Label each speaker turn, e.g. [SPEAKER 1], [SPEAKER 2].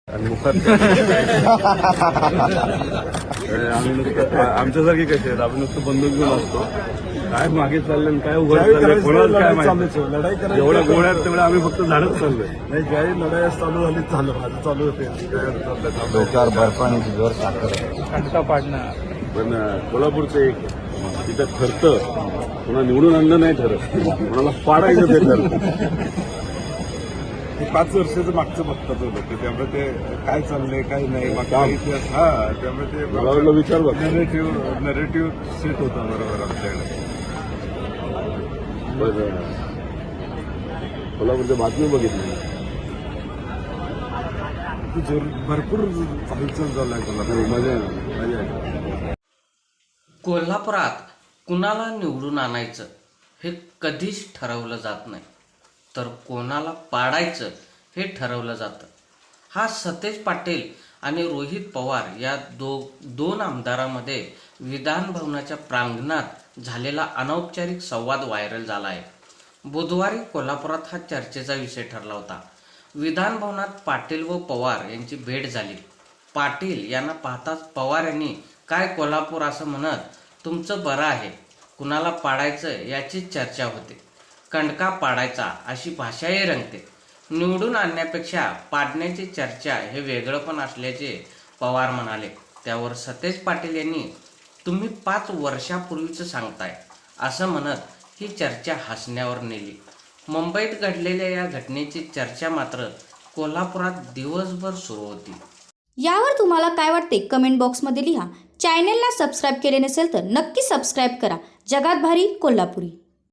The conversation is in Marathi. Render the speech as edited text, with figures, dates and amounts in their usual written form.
[SPEAKER 1] आणि मुखात आम्ही नुसतं आमच्यासारखे कसे आहेत, आपण नुसतं बंदूक घेऊन असतो. काय मागे चाललं काय उघड चाललंय कोणाला काय माहिती. जेवढ्या गोळ्यात तेवढ्या आम्ही फक्त झाडच चाललोय.
[SPEAKER 2] नाही ज्यावेळी लढाई चालू झाली माझं चालू होते
[SPEAKER 3] डोक्यावर बर्फाने जोर साखर
[SPEAKER 4] खंडका पाडणार.
[SPEAKER 1] पण कोल्हापूरचं एक तिथं ठरतं, कोणा निवडून आणलं नाही ठरत, कोणाला पाडायचं ते ठरतं.
[SPEAKER 2] ते 5 वर्षाचं मागचं बघतात होतं की त्यामुळे ते काय चाललंय काय नाही मागचा इतिहास. हा त्यामुळे ते
[SPEAKER 1] मला वाटलं विचार बघ.
[SPEAKER 2] नरेटिव्ह सेट होता बरोबर आमच्याकडे.
[SPEAKER 1] कोल्हापूरच्या बातमी बघितली,
[SPEAKER 2] भरपूर हालचाल झालाय कोल्हापूर.
[SPEAKER 1] मजा आहे.
[SPEAKER 5] कोल्हापुरात कुणाला निवडून आणायचं हे कधीच ठरवलं जात नाही, तर कोणाला पाडायचं हे ठरवलं जातं. हा सतेज पाटील आणि रोहित पवार या दोन आमदारांमध्ये विधान भवनाच्या प्रांगणात झालेला अनौपचारिक संवाद व्हायरल झाला आहे. बुधवारी कोल्हापुरात हा चर्चेचा विषय ठरला होता. विधान भवनात पाटील व पवार यांची भेट झाली. पाटील यांना पाहताच पवार यांनी काय कोल्हापूर असं म्हणत तुमचं बरं आहे, कुणाला पाडायचं याचीच चर्चा होते. कंडका पाडायचा अशी भाषाही रंगते. निवडून आणण्यापेक्षा पाडण्याची चर्चा हे वेगळं पण असल्याचे पवार म्हणाले. त्यावर सतेज पाटील यांनी तुम्ही 5 वर्षापूर्वीचं सांगताय असं म्हणत ही चर्चा हसण्यावर नेली. मुंबईत घडलेल्या या घटनेची चर्चा मात्र कोल्हापुरात दिवसभर सुरू होती.
[SPEAKER 6] यावर तुम्हाला काय वाटते कमेंट बॉक्समध्ये लिहा. चॅनलला सबस्क्राईब केले नसेल तर नक्की सबस्क्राईब करा. जगात भारी कोल्हापुरी.